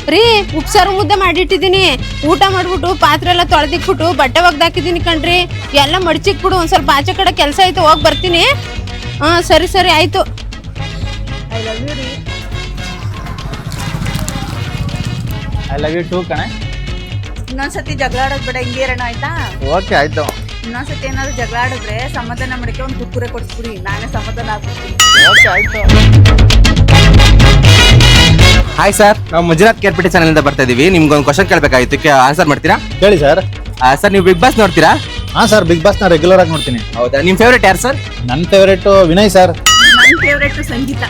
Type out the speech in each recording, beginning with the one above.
ರೀ ಉಪ್ಸಾರು ಮುದ್ದೆ ಮಾಡಿಟ್ಟಿದ್ದೀನಿ. ಊಟ ಮಾಡ್ಬಿಟ್ಟು ಪಾತ್ರೆ ಎಲ್ಲ ತೊಳೆದಿಕ್ಬಿಟ್ಟು ಬಟ್ಟೆ ಒಗ್ದಾಕಿದ್ದೀನಿ ಕಣ್ರಿ. ಎಲ್ಲ ಮಡ್ಚಿಕ್ಬಿಡು. ಒಂದ್ ಸ್ವಲ್ಪ ಆಚೆ ಕಡೆ ಕೆಲಸ ಐತೆ, ಹೋಗಿ ಬರ್ತೀನಿ. ಹಾ ಸರಿ ಸರಿ ಆಯ್ತು. ಐ ಲವ್ ಯು ರೀ. ಐ ಲವ್ ಯು ಟೂ ಕಣೆ. ಇನ್ನೊಂದ್ಸತಿ ಜಗಳ ಆಡೋದ್ ಬೇಡ, ಹಿಂಗೆ ಇರೋಣ ಆಯ್ತಾ? ಓಕೆ ಆಯ್ತು. ಇನ್ನೊಂದ್ಸತಿ ಏನಾದ್ರು ಜಗಳ ಆಡಿದ್ರೆ ಸಮಾಧಾನ ಮಾಡಕ್ಕೆ ಒಂದು ಕುಕ್ಕುರೆ ಕೊಡಿಸ್ಬಿಡಿ, ನಾನೇ ಸಮಾಧಾನ ಆಗ್ಬಿಡ್ತೀನಿ. ಓಕೆ ಆಯ್ತು. ಹಾಯ್ ಸರ್, ನಾವು ಮಂಜುನಾಥ್ ಕೇರ್ಪೇಟೆ ಚಾನಲಿಂದ ಬರ್ತಾ ಇದೀವಿ. ನಿಮ್ಗೊಂದು ಕ್ವಶನ್ ಕೇಳಬೇಕಾಗಿತ್ತು, ಆನ್ಸರ್ ಮಾಡ್ತೀರಾ? ಹೇಳಿ ಸರ್. ಸರ್, ನೀವು ಬಿಗ್ ಬಾಸ್ ನೋಡ್ತೀರಾ? ಹಾಂ ಸರ್, ಬಿಗ್ ಬಾಸ್ನ ರೆಗ್ಯುಲರ್ ಆಗಿ ನೋಡ್ತೀನಿ. ಹೌದಾ? ನಿಮ್ಮ ಫೇವ್ರೇಟ್ ಯಾರು ಸರ್? ನನ್ನ ಫೇವ್ರೇಟು ವಿನಯ್ ಸರ್. ನನ್ನ ಫೇವ್ರೇಟ್ ಸಂಗೀತ.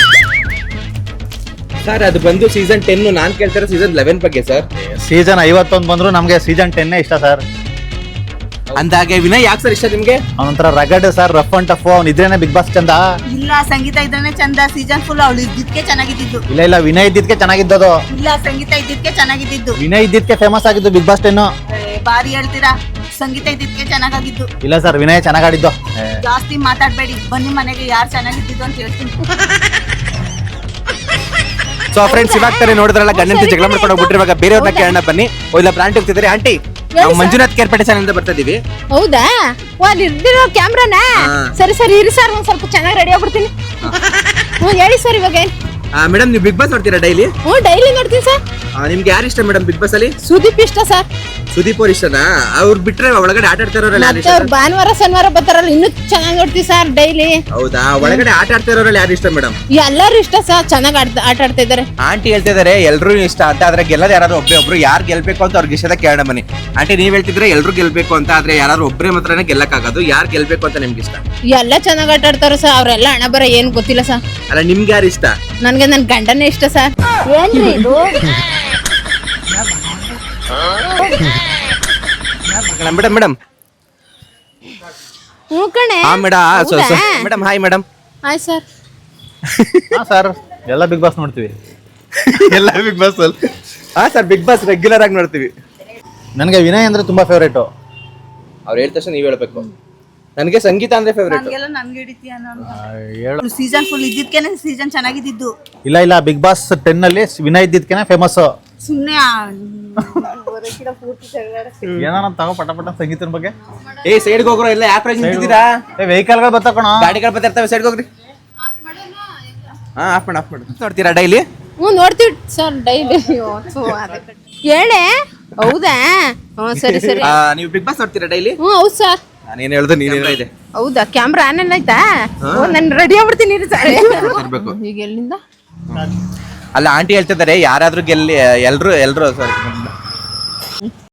ಸರ್, ಅದು ಬಂದು ಸೀಸನ್ 10. ನಾನು ಕೇಳ್ತಾರೆ ಸೀಸನ್ 11 ಬಗ್ಗೆ ಸರ್. ಸೀಸನ್ 51 ಬಂದ್ರು ನಮಗೆ ಸೀಸನ್ 10 ಇಷ್ಟ ಸರ್. ಅಂದಾಗೆ ವಿನಯ್ ಯಾಕೆ ಸರ್ ಇಷ್ಟ ನಿಮ್ಗೆ? ಅವನೊಂಥರ rugged sir, rough and tough. ಅವ್ನು ಇದ್ರೇನೆ ಬಿಗ್ ಬಾಸ್ ಚಂದ. ಇಲ್ಲ, ಸಂಗೀತ ಇದ್ರೇನೆ ಚಂದ. ಸೀಸನ್ ಫುಲ್ ಅವಳು ಇದ್ದಿದ್ಕೆ ಚೆನ್ನಾಗಿದ್ದು. ಇಲ್ಲ ವಿನಯ್ ಇದ್ದಿದ್ಕೆ ಚೆನ್ನಾಗಿದ್ದದು. ಇಲ್ಲ, ಸಂಗೀತ ಇದ್ದಿದ್ಕೆ ಚೆನ್ನಾಗಿದ್ದು. ವಿನಯ್ ಇದ್ದಿದ್ಕೆ ಫೇಮಸ್ ಆಗಿದ್ದು ಬಿಗ್ ಬಾಸ್ 10. ಬಾರಿ ಹೇಳ್ತೀರಾ. ಸಂಗೀತ ಇದ್ದಿದ್ಕೆ ಚೆನ್ನಾಗಿದ್ದು. ಇಲ್ಲ ಸರ್, ವಿನಯ್ ಚೆನ್ನಾಗಾಡಿದ್ದು. ಜಾಸ್ತಿ ಮಾತಾಡ್ಬೇಡಿ, ಬನ್ನಿ ಮನೆಗೆ ಯಾರು ಚೆನ್ನಾಗಿದ್ದು ಅಂತ ಹೇಳ್ತೀನಿ. ಸೊ ಫ್ರೆಂಡ್ಸ್, ಇವಾಗ ತಾರೆ ನೋಡಿದ್ರಲ್ಲ, ಗಂಡನ ಜಗಳ ಮಾಡ್ಕೊಂಡು ಹೋಗ್ಬಿಟ್ರೆ ಇವಾಗ ಬೇರೆಯವ್ರನ್ನ ಕೇಳೋಣ ಬನ್ನಿ. ಇಲ್ಲ ಬ್ರಾಂಡ್ ಹೋಗ್ತಿದ್ದಾರೆ. ಆಂಟಿ, ನಾವು ಮಂಜುನಾಥ್ ಕೇರ್ಪೇಟೆ ಚಾನಲಿಂದ ಬರ್ತಾ ಇದೀವಿ. ಹೌದಾ? ಅಲ್ಲಿ ಇರ್ದಿರೋ ಕ್ಯಾಮ್ರಾನ? ಸರಿ ಸರಿ ಇರಿ ಸರ್, ಒಂದ್ ಸ್ವಲ್ಪ ಚೆನ್ನಾಗಿ ರೆಡಿ ಆಗ್ಬಿಡ್ತೀನಿ. ಹೇಳಿ ಸರ್. ಇವಾಗ ಮೇಡಮ್, ನೀವು ಬಿಗ್ ಬಾಸ್ ನೋಡ್ತೀರಾ ಡೈಲಿ? ಡೈಲಿ ನೋಡ್ತೀನಿ ಸರ್. ನಿಮ್ಗೆ ಯಾರು ಇಷ್ಟ ಮೇಡಮ್ ಬಿಗ್ ಬಾಸ್ ಅಲ್ಲಿ? ಸುದೀಪ್ ಇಷ್ಟ ಸರ್. ಸುದೀಪ್ ಅವ್ರ ಇಷ್ಟನಾ? ಅವ್ರು ಬಿಟ್ರೆ ಒಳಗಡೆ ಆಟ ಆಡ್ತಾರವ್ರಲ್ಲಿ ಯಾರು ಮತ್ತೆ ಇಷ್ಟ? ಅವ್ರು ಭಾನುವಾರ ಶನಿವಾರ ಬರ್ತಾರಲ್ಲ, ಇನ್ನೂ ಚೆನ್ನಾಗಿ ನೋಡ್ತೀವಿ ಸರ್ ಡೈಲಿ. ಹೌದಾ? ಒಳಗಡೆ ಆಟ ಆಡ್ತಾರವ್ರಲ್ಲಿ ಯಾರು ಇಷ್ಟ ಮೇಡಮ್? ಎಲ್ಲರೂ ಇಷ್ಟ ಸರ್, ಚೆನ್ನಾಗಿ ಆಟ ಆಡ್ತಾ ಇದಾರೆ. ಆಂಟಿ ಹೇಳ್ತಿದ್ದಾರೆ ಎಲ್ರು ಇಷ್ಟ ಅಂತ, ಆದ್ರೆ ಗೆಲ್ಲದ ಯಾರು ಒಬ್ರು ಯಾರು ಗೆಲ್ಬೇಕು ಅಂತ ಅವ್ರಿಗೆ ಇಷ್ಟದ ಕೇಳೋಣ ಬನ್ನಿ. ಆಂಟಿ, ನೀವ್ ಹೇಳ್ತಿದ್ರೆ ಎಲ್ರು ಗೆಲ್ಬೇಕು ಅಂತ, ಆದ್ರೆ ಯಾರು ಒಬ್ಬರೇ ಮಾತ್ರನೇ ಗೆಲ್ಲಕ್ಕಾಗೋದು. ಯಾರು ಗೆಲ್ಬೇಕು ಅಂತ ನಿಮ್ಗೆ ಇಷ್ಟ? ಎಲ್ಲ ಚೆನ್ನಾಗಿ ಆಟ ಆಡ್ತಾರ ಸರ್. ಅವ್ರೆಲ್ಲ ಹಣ ಬರ ಏನ್ ಗೊತ್ತಿಲ್ಲ ಸರ್. ಅಲ್ಲ, ನಿಮ್ಗೆ ಯಾರು ಇಷ್ಟ? ನನ್ಗೆ ನನ್ ಗಂಡನೇ ಇಷ್ಟ ಸರ್. ಏನ್ರಿ ಇದು? ಮೇಡಮ್ ಮೇಡಮ್ ಹ್ಞೂ ಕಣೆ. ಹಾ madam hi madam. Hi sir. ಹಾಂ ಸರ್, ಎಲ್ಲ ಬಿಗ್ ಬಾಸ್ ನೋಡ್ತೀವಿ. ಎಲ್ಲ ಬಿಗ್ ಬಾಸ್ ಅಲ್ಲಿ? ಹಾ ಸರ್, ಬಿಗ್ ಬಾಸ್ ರೆಗ್ಯುಲರ್ ಆಗಿ ನೋಡ್ತೀವಿ. ನನಗೆ ವಿನಯ್ ಅಂದ್ರೆ ತುಂಬಾ ಫೇವ್ರೇಟು. ಅವ್ರು ಹೇಳಿದ ತಕ್ಷಣ ನೀವ್ ಹೇಳ್ಬೇಕು. ನನಗೆ ಸಂಗೀತ ಅಂದ್ರೆ ಫೇವ್ರೇಟ್. ನನ್ಗೆಲ್ಲ ನನ್ಗೆ ಹಿಡಿತೀಯ ಹೇಳು. ಸೀಸನ್ ಫುಲ್ ಇದ್ದಿದ್ಕೆನೆ ಸೀಸನ್ ಚೆನ್ನಾಗಿದ್ದು. ಇಲ್ಲ ಬಿಗ್ ಬಾಸ್ 10 ಅಲ್ಲಿ ವಿನಯ್ ಇದ್ದಿದ್ಕೆನೆ ಫೇಮಸ್. ಸುಮ್ನೆ ಏನಾರ ತಗೋ ಪಟ ಸಂಗೀತನ ಬಗ್ಗೆ. ಸೈಡ್ಗೆ ಹೋಗ್ರೋ, ಎಲ್ಲ ಯಾಕೆ ನಿಂತಿದ್ದೀರಾ? ವೆಹಿಕಲ್ಗಳು ಬರ್ತಾಕೋಣ, ಗಾಡಿಗಳು ಬರ್ತಿರ್ತವೆ, ಸೈಡ್ಗೆ ಹೋಗ್ರಿ. ಆಫ್ ಮಾಡಿ ನೋಡ್ತೀರಾ ಡೈಲಿ? ಹ್ಞೂ ನೋಡ್ತೀವಿ ಸರ್ ಡೈಲಿ. ಹೇಳೆ. ಹೌದಾ? ಹ್ಞೂ ಸರಿ ಸರಿ. ನೀವು ಬಿಗ್ ಬಾಸ್ ನೋಡ್ತೀರಾ ಡೈಲಿ? ಹ್ಞೂ ಹೌದು ಸರ್. ನಾನೇನು ಹೇಳ್ದು ನೀನೇನೋ ಇದೆ. ಹೌದಾ? ಕ್ಯಾಮ್ರಾ ಆನ್ ಆಯ್ತಾ? ನಾನು ರೆಡಿ ಆಗ್ಬಿಡ್ತೀನಿ ಸರ್. ಇರ್ಬೇಕು. ಈಗ ಎಲ್ಲಿಂದ? ಅಲ್ಲ, ಆಂಟಿ ಹೇಳ್ತಿದ್ದಾರೆ ಯಾರಾದ್ರೂ ಗೆಲ್ಲಿ, ಎಲ್ರು ಸಾರಿ